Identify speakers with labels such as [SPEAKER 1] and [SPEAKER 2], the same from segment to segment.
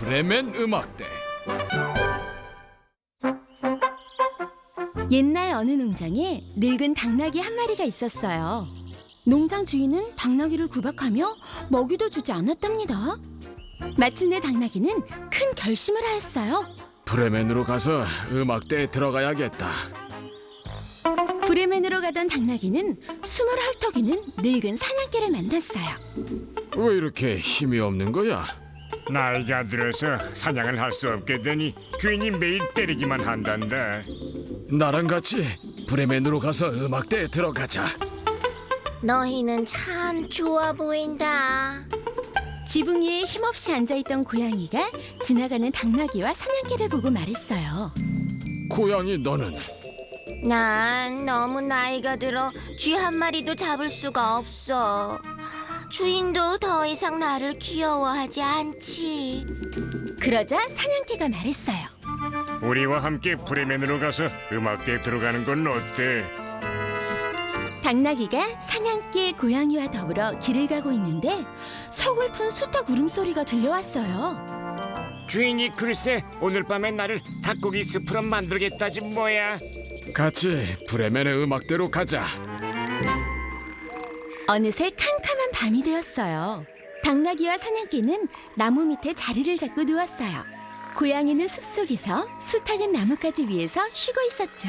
[SPEAKER 1] 브레멘 음악대.
[SPEAKER 2] 옛날 어느 농장에 늙은 당나귀 한 마리가 있었어요. 농장 주인은 당나귀를 구박하며 먹이도 주지 않았답니다. 마침내 당나귀는 큰 결심을 하였어요.
[SPEAKER 1] 브레멘으로 가서 음악대에 들어가야겠다.
[SPEAKER 2] 브레멘으로 가던 당나귀는 숨을 헐떡이는 늙은 사냥개를 만났어요.
[SPEAKER 1] 왜 이렇게 힘이 없는 거야?
[SPEAKER 3] 나이가 들어서 사냥을 할 수 없게 되니 주인이 매일 때리기만 한단다.
[SPEAKER 1] 나랑 같이 브레멘으로 가서 음악대에 들어가자.
[SPEAKER 4] 너희는 참 좋아 보인다.
[SPEAKER 2] 지붕 위에 힘없이 앉아있던 고양이가 지나가는 당나귀와 사냥개를 보고 말했어요.
[SPEAKER 1] 고양이 너는?
[SPEAKER 4] 난 너무 나이가 들어 쥐 한 마리도 잡을 수가 없어. 주인도 더 이상 나를 귀여워하지 않지.
[SPEAKER 2] 그러자 사냥개가 말했어요.
[SPEAKER 3] 우리와 함께 브레멘으로 가서 음악대에 들어가는 건 어때?
[SPEAKER 2] 당나귀가 사냥개 고양이와 더불어 길을 가고 있는데 서글픈 수탉 울음소리가 들려왔어요.
[SPEAKER 3] 주인이 글쎄 오늘 밤에 나를 닭고기 스프로 만들겠다지 뭐야.
[SPEAKER 1] 같이 브레멘의 음악대로 가자.
[SPEAKER 2] 어느새 캄캄한 밤이 되었어요. 당나귀와 사냥개는 나무 밑에 자리를 잡고 누웠어요. 고양이는 숲속에서, 수탉은 나뭇가지 위에서 쉬고 있었죠.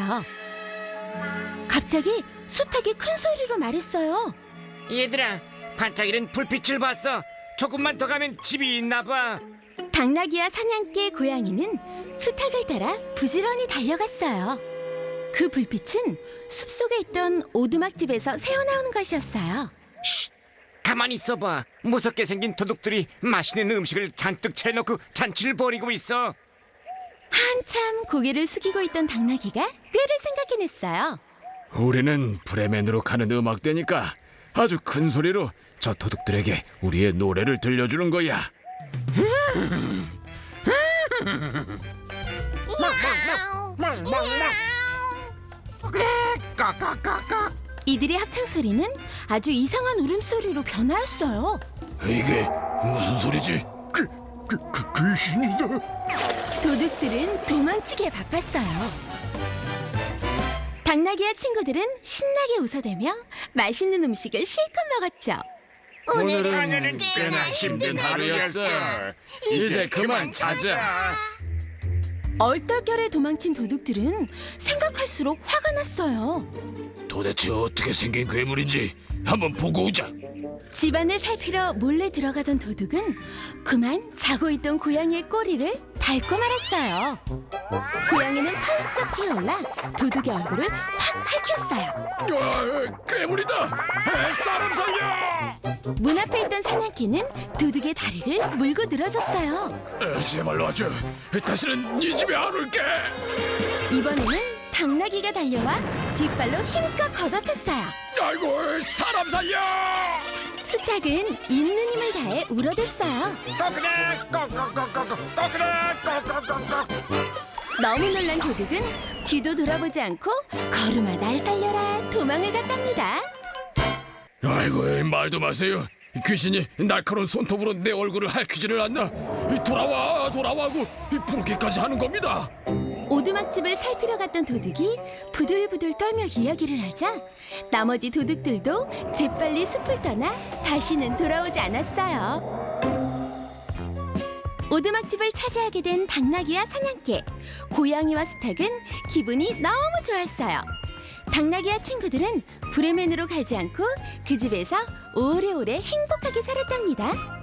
[SPEAKER 2] 갑자기 수탉이 큰 소리로 말했어요.
[SPEAKER 3] 얘들아, 반짝이는 불빛을 봤어. 조금만 더 가면 집이 있나 봐.
[SPEAKER 2] 당나귀와 사냥개 고양이는 수탉을 따라 부지런히 달려갔어요. 그 불빛은 숲속에 있던 오두막집에서 새어나오는 것이었어요.
[SPEAKER 3] 쉿! 가만히 있어봐. 무섭게 생긴 도둑들이 맛있는 음식을 잔뜩 차려놓고 잔치를 벌이고 있어.
[SPEAKER 2] 한참 고개를 숙이고 있던 당나귀가 꾀를 생각해냈어요.
[SPEAKER 1] 우리는 브레멘으로 가는 음악대니까 아주 큰 소리로 저 도둑들에게 우리의 노래를 들려주는 거야.
[SPEAKER 2] 이들의 합창 소리는 아주 이상한 울음소리로 변하였어요.
[SPEAKER 1] 이게 무슨 소리지? 귀신이다.
[SPEAKER 2] 도둑들은 도망치기에 바빴어요. 당나귀와 친구들은 신나게 웃어대며 맛있는 음식을 실컷 먹었죠.
[SPEAKER 1] 오늘은 꽤나 힘든 하루였어. 이제 그만 자자.
[SPEAKER 2] 얼떨결에 도망친 도둑들은 생각할수록 화가 났어요.
[SPEAKER 1] 도대체 어떻게 생긴 괴물인지 한번 보고 오자.
[SPEAKER 2] 집안을 살피러 몰래 들어가던 도둑은 그만 자고 있던 고양이의 꼬리를 밟고 말았어요. 고양이는 펄쩍 뛰어올라 도둑의 얼굴을 확 핥혔어요.
[SPEAKER 1] 괴물이다! 사람 살려!
[SPEAKER 2] 문 앞에 있던 사냥개는 도둑의 다리를 물고 늘어졌어요.
[SPEAKER 1] 제발 놔줘. 다시는 이 집에 안 올게.
[SPEAKER 2] 이번에는 당나귀가 달려와 뒷발로 힘껏 걷어찼어요.
[SPEAKER 1] 아이고, 사람 살려!
[SPEAKER 2] 수탉은 있는 힘을 다해 울어댔어요.
[SPEAKER 3] 꼬그레 꼬꼬꼬꼬꼬 꼬그레 꼬꼬꼬꼬.
[SPEAKER 2] 너무 놀란 도둑은 뒤도 돌아보지 않고 걸음아 날 살려라 도망을 갔답니다.
[SPEAKER 1] 아이고, 말도 마세요. 귀신이 날카로운 손톱으로 내 얼굴을 핥히지를 않나. 돌아와고 부르기까지 하는 겁니다.
[SPEAKER 2] 오두막집을 살피러 갔던 도둑이 부들부들 떨며 이야기를 하자 나머지 도둑들도 재빨리 숲을 떠나 다시는 돌아오지 않았어요. 오두막집을 차지하게 된 당나귀와 사냥개, 고양이와 수탉은 기분이 너무 좋았어요. 당나귀와 친구들은 브레멘으로 가지 않고 그 집에서 오래오래 행복하게 살았답니다.